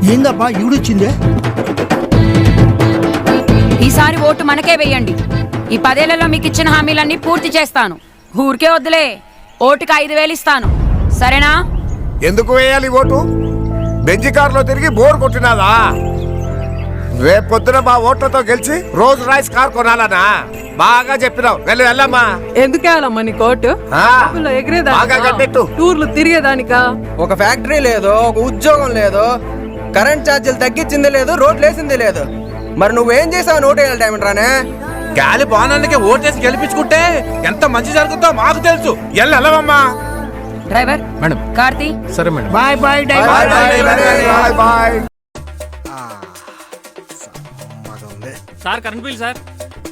ఏందబ్బా ఈవిడొచ్చిందే? ఈసారి ఓటు మనకే వేయండి. ఈ 10 ఏళ్లలో మీకు ఇచ్చిన హామీలన్నీ పూర్తి చేస్తాను. ఊరికే వద్దులే, ఓటుకి 5,000 ఇస్తాను. సరేనా? ఎందుకు వేయాలి ఓటు? బెంజి కారులో తిరిగి బోర్ కొట్టినాదా? రేపు పొద్దున మా ఓట్లతో గెలిచి రోజ్ రాయిస్ కార్ కొనాలనా? బాగా చెప్పినావు. వెళ్ళమ్మా. ఎందుకు వేయాలమ్మా నీ కోటు? బాగా కట్టెట్టు. టూర్లు తిరిగేదానికా? ఒక ఫ్యాక్టరీ లేదు, ఒక ఉద్యోగం లేదు, కరెంట్ ఛార్జీలు తగ్గించింది లేదు, రోడ్లు వేసింది లేదు. మరి నువ్వేం చేసావు? ఓటు వేయాలి టైం రానే గాలి బాణానికి ఓటేసి గెలిపించుకుంటే ఎంత మంచి జరుగుతుందో మాకు తెలుసు. వెళ్ళమ్మా. Driver madam. కార్తీ. సరే madam. Bye bye bye bye. Sir current bill sir.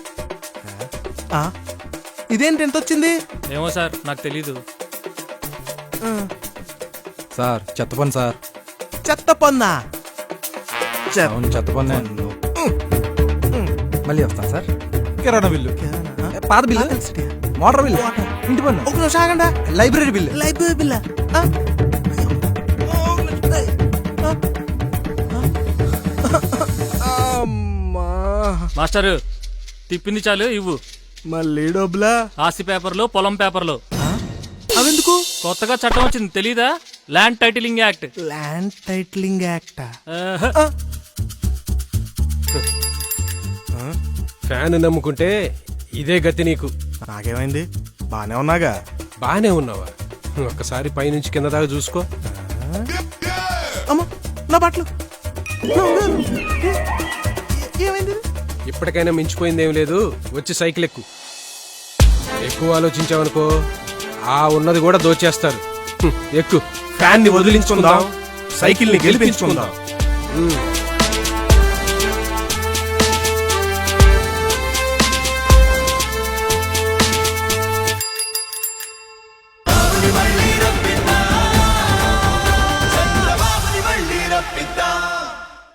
ఇదేంటి ఎంత వచ్చింది? ఏమో సార్, నాకు తెలీదు. సార్ చెత్త పని సార్. చెత్త పన్నా? అవును చెత్త పని. మళ్ళీ వస్తాను సార్. కిరాణా బిల్లు, పాత బిల్లు, మోటార్ బిల్లు, ఇంటి పన్ను. ఒక నిమిషం ఆగండి. Library bill. లైబ్రరీ బిల్లా? మాస్టర్ తిప్పింది చాలు, ఇవ్వు. మళ్ళీ డబ్బులా? ఆస్తి పేపర్లు, పొలం పేపర్లు. అవెందుకు? కొత్తగా చట్టం వచ్చింది తెలీదా? Land titling act. Land titling act? Fan నమ్ముకుంటే ఇదే గతి నీకు. నాకేమైంది? బానే ఉన్నాగా. బానే ఉన్నావా? ఒక్కసారి పైనుంచి కింద దాకా చూసుకో. అమ్మా నా బట్టలు. ఏమైంది? ఇప్పటికైనా మించిపోయిందేం లేదు. వచ్చి సైకిల్ ఎక్కువ ఆలోచించావనుకో ఆ ఉన్నది కూడా దోచేస్తారు. ఎక్కు. ఫ్యాన్ ని వదిలించుకుందాం, సైకిల్ ని గెలిపించుకుందాం.